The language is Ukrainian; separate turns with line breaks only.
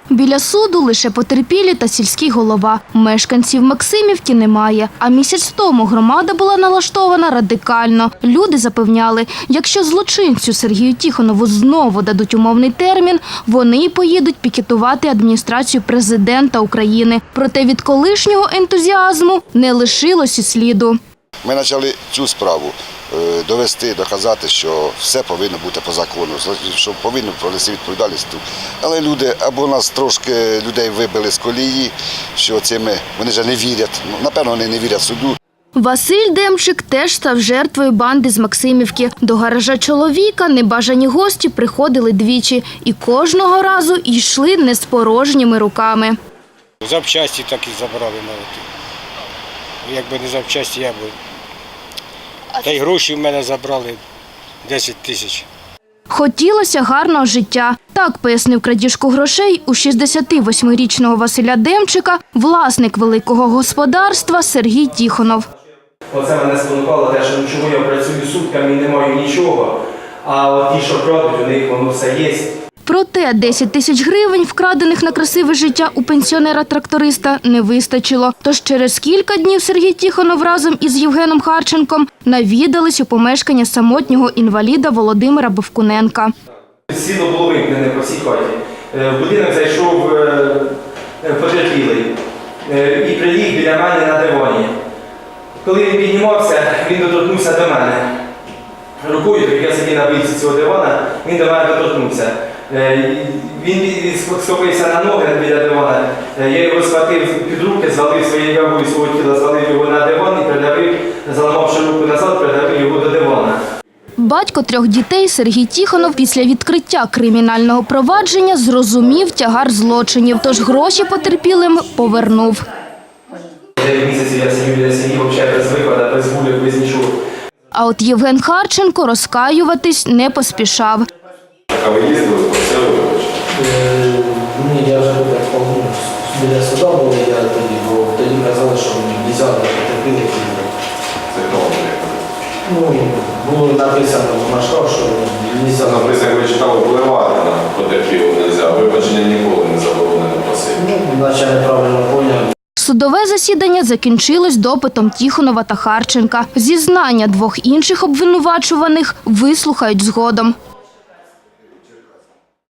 Біля суду лише потерпілі та сільський голова. Мешканців Максимівки немає. А місяць тому громада була налаштована радикально. Люди запевняли, якщо злочинцю Сергію Тихонову знову дадуть умовний термін, вони й поїдуть пікетувати адміністрацію президента України. Проте від колишнього ентузіазму не лишилось і сліду.
Ми почали цю справу довести, доказати, що все повинно бути по закону, що повинно понести відповідальність. Але люди, або нас трошки людей вибили з колії, що цими вони вже не вірять, напевно, вони не вірять суду.
Василь Демчик теж став жертвою банди з Максимівки. До гаража чоловіка небажані гості приходили двічі і кожного разу йшли не з порожніми руками.
Запчасті так і забрали навіть. Якби не запчасті, я б... Та й гроші в мене забрали 10 тисяч.
Хотілося гарного життя. Так пояснив крадіжку грошей у 68-річного Василя Демчика власник великого господарства Сергій Тихонов.
Оце мене спонукало те, що чому я працюю сутками і не маю нічого, а от ті, що крадуть, у них воно все є.
Проте 10 тисяч гривень, вкрадених на красиве життя у пенсіонера-тракториста, не вистачило. Тож через кілька днів Сергій Тихонов разом із Євгеном Харченком навідались у помешкання самотнього інваліда Володимира Бовкуненка.
Світло було вимкнене по всій хаті. В будинок зайшов потерпілий і приліг біля мене на дивані. Коли він піднімався, він доторкнувся до мене. Рукою, як я сидів на бійці цього дивана, він до мене доторкнувся. Він схопився на ноги біля дивана, я його схватив під руки, звалив своєю вагою свого тіла, звалив його на диван і придавив, заламавши руку назад, придавив його до дивана.
Батько 3 дітей Сергій Тихонов після відкриття кримінального провадження зрозумів тягар злочинів, тож гроші потерпілим повернув.
9 місяців я сидів біля сім'ї, взагалі без виходу, без гулів, без нічого.
А от Євген Харченко розкаюватись не поспішав.
А ви їздили по селу?
Ні, я вже біля суда був, я тоді, бо тоді казали, що мені не можна потерпіли.
Це хто вам приїхав?
Було написано в машинах, що не можна.
Написано, як ви читали, впливати на потерпілого не можна, вибачення ніколи не заборонено просити.
Наче неправильно поняв.
Судове засідання закінчилось допитом Тихонова та Харченка. Зізнання 2 інших обвинувачуваних вислухають згодом.